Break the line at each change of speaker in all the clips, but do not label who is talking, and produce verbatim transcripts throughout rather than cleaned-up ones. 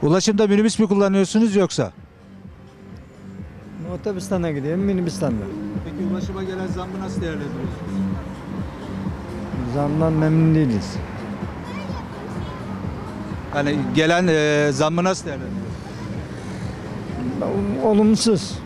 Ulaşımda minibüs mü kullanıyorsunuz yoksa?
Otobüsten de gidiyorum, minibüsten de.
Peki ulaşıma gelen zammı nasıl değerlendiriyorsunuz?
Zamdan memnun değiliz.
Yani gelen e, zammı nasıl değerlendiriyorsunuz?
Olumsuz.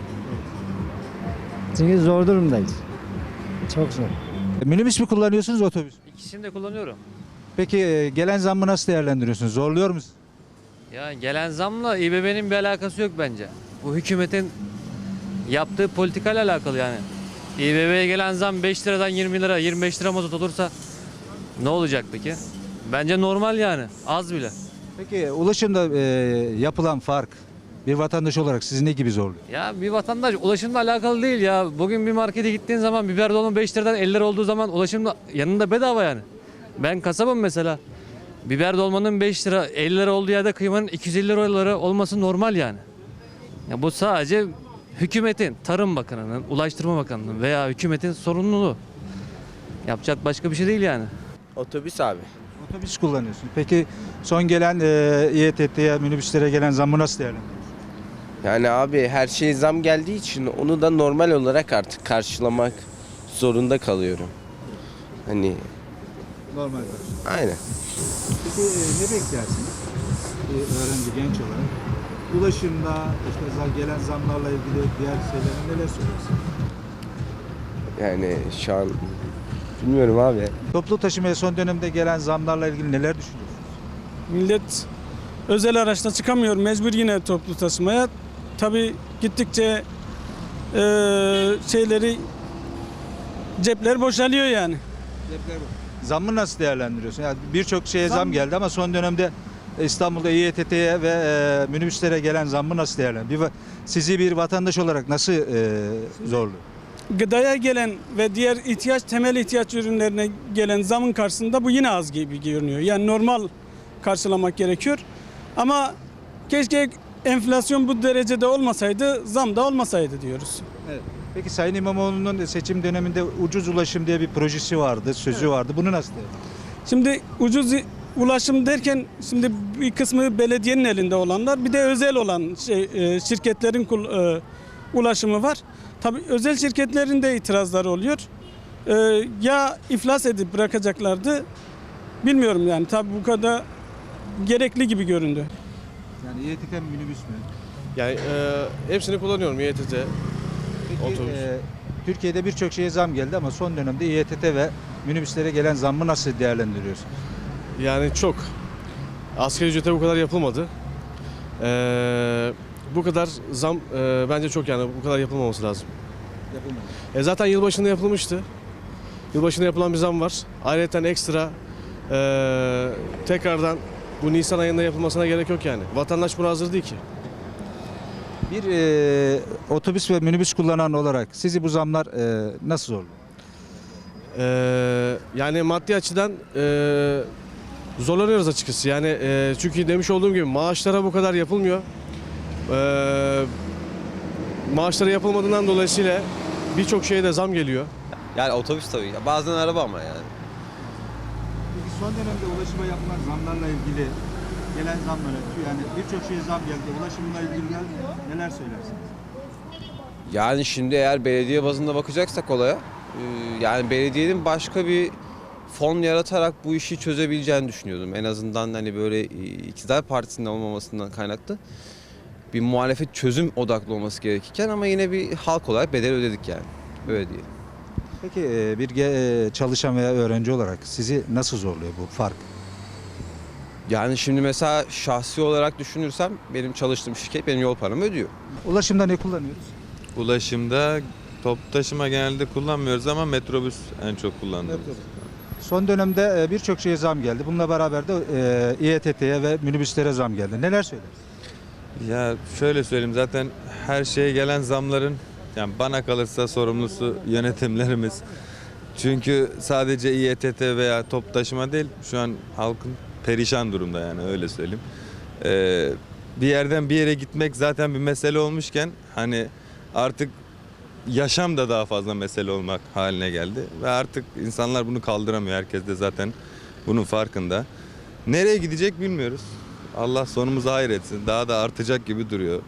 Çünkü zor durumdayız. Çok zor.
E, minibüs mü kullanıyorsunuz otobüs mü?
İkisini de kullanıyorum.
Peki e, gelen zammı nasıl değerlendiriyorsunuz? Zorluyor musunuz?
Ya gelen zamla İBB'nin bir alakası yok bence. Bu hükümetin yaptığı politikayla alakalı yani. İBB'ye gelen zam beş liradan yirmi lira, yirmi beş lira mazot olursa ne olacak peki? Bence normal yani. Az bile.
Peki ulaşımda e, yapılan fark bir vatandaş olarak sizi ne gibi zorluyor?
Ya bir vatandaş ulaşımla alakalı değil ya. Bugün bir markete gittiğin zaman biber dolma beş liradan elli lira olduğu zaman ulaşımda yanında bedava yani. Ben kasabım mesela. Biber dolmanın beş lira elli lira olduğu yerde kıymanın iki yüz elli lira olması normal yani. Ya bu sadece hükümetin, Tarım Bakanı'nın, Ulaştırma Bakanı'nın veya hükümetin sorumluluğu. Yapacak başka bir şey değil yani.
Otobüs abi.
Otobüs kullanıyorsunuz. Peki son gelen e, İETT'ye, minibüslere gelen zammı nasıl değerlendiriyorsunuz?
Yani abi her şeye zam geldiği için onu da normal olarak artık karşılamak zorunda kalıyorum. Hani
Normal.
aynen.
Peki e, ne beklersiniz? Bir öğrenci genç olarak. Ulaşımda işte zam- gelen zamlarla ilgili diğer şeylere neler söylersiniz?
Yani şu an bilmiyorum abi.
Toplu taşımaya son dönemde gelen zamlarla ilgili neler düşünüyorsunuz?
Millet özel araçla çıkamıyor. Mecbur yine toplu taşımaya. Tabii gittikçe e, şeyleri cepler boşalıyor yani.
Zammı nasıl değerlendiriyorsun? Yani birçok şeye zam,
Zam-
geldi ama son dönemde İstanbul'da İETT'ye ve e, minibüslere gelen zammı nasıl değerlendiriyorsun? Bir, va- sizi bir vatandaş olarak nasıl e, zorluyor?
Gıdaya gelen ve diğer ihtiyaç temel ihtiyaç ürünlerine gelen zamın karşısında bu yine az gibi görünüyor. Yani normal karşılamak gerekiyor. Ama keşke enflasyon bu derecede olmasaydı, zam da olmasaydı diyoruz.
Evet. Peki Sayın İmamoğlu'nun seçim döneminde ucuz ulaşım diye bir projesi vardı, sözü vardı. Bunu nasıl değerlendiriyorsun?
Şimdi ucuz ulaşım derken şimdi bir kısmı belediyenin elinde olanlar, bir de özel olan şey, e, şirketlerin kul- e, ulaşımı var. Tabii özel şirketlerin de itirazları oluyor. E, ya iflas edip bırakacaklardı, bilmiyorum yani. Tabii bu kadar gerekli gibi göründü.
Yani İETT mi minibüs mü?
Yani e, hepsini kullanıyorum İETT.
Peki
Otobüs.
e, Türkiye'de birçok şeye zam geldi ama son dönemde İETT ve minibüslere gelen zammı nasıl değerlendiriyorsun?
Yani çok. Asgari ücrete bu kadar yapılmadı. E, bu kadar zam e, bence çok, yani bu kadar yapılmaması lazım.
Yapılmadı.
E, zaten yılbaşında yapılmıştı. Yılbaşında yapılan bir zam var. Ayrıca ekstra e, tekrardan bu Nisan ayında yapılmasına gerek yok yani. Vatandaş buna hazır değil ki.
Bir e, otobüs ve minibüs kullanan olarak sizi bu zamlar e, nasıl zorluyor?
Ee, yani maddi açıdan e, zorlanıyoruz açıkçası. Yani e, çünkü demiş olduğum gibi maaşlara bu kadar yapılmıyor. Ee, maaşlara yapılmadığından dolayısıyla birçok şeye de zam geliyor.
Yani otobüs tabii. Ya bazen araba ama yani.
Peki son dönemde ulaşıma yapılan zamlarla ilgili gelen zamlara yani birçok şeye zam geldi. Ulaşımla ilgili gel neler söylersiniz?
Yani şimdi eğer belediye bazında bakacaksak olaya, e, yani belediyenin başka bir fon yaratarak bu işi çözebileceğini düşünüyordum. En azından hani böyle e, iktidar partisinin olmamasından kaynaklı bir muhalefet çözüm odaklı olması gerekirken ama yine bir halk olarak bedel ödedik yani. Öyle diyelim.
Peki e, bir ge- e, çalışan veya öğrenci olarak sizi nasıl zorluyor bu fark?
Yani şimdi mesela şahsi olarak düşünürsem benim çalıştığım şirket benim yol paramı ödüyor.
Ulaşımda ne kullanıyoruz?
Ulaşımda toplu taşıma genelde kullanmıyoruz ama metrobüs en çok kullandığımız.
Son dönemde e, birçok şeye zam geldi. Bununla beraber de e, İETT'ye ve minibüslere zam geldi. Neler söylersiniz?
Ya şöyle söyleyeyim, zaten her şeye gelen zamların yani bana kalırsa sorumlusu yönetimlerimiz. Çünkü sadece İETT veya toplu taşıma değil, şu an halkın perişan durumda, yani öyle söyleyeyim. Ee, bir yerden bir yere gitmek zaten bir mesele olmuşken hani artık yaşam da daha fazla mesele olmak haline geldi. Ve artık insanlar bunu kaldıramıyor. Herkes de zaten bunun farkında. Nereye gidecek bilmiyoruz. Allah sonumuzu hayretsin. Daha da artacak gibi duruyor.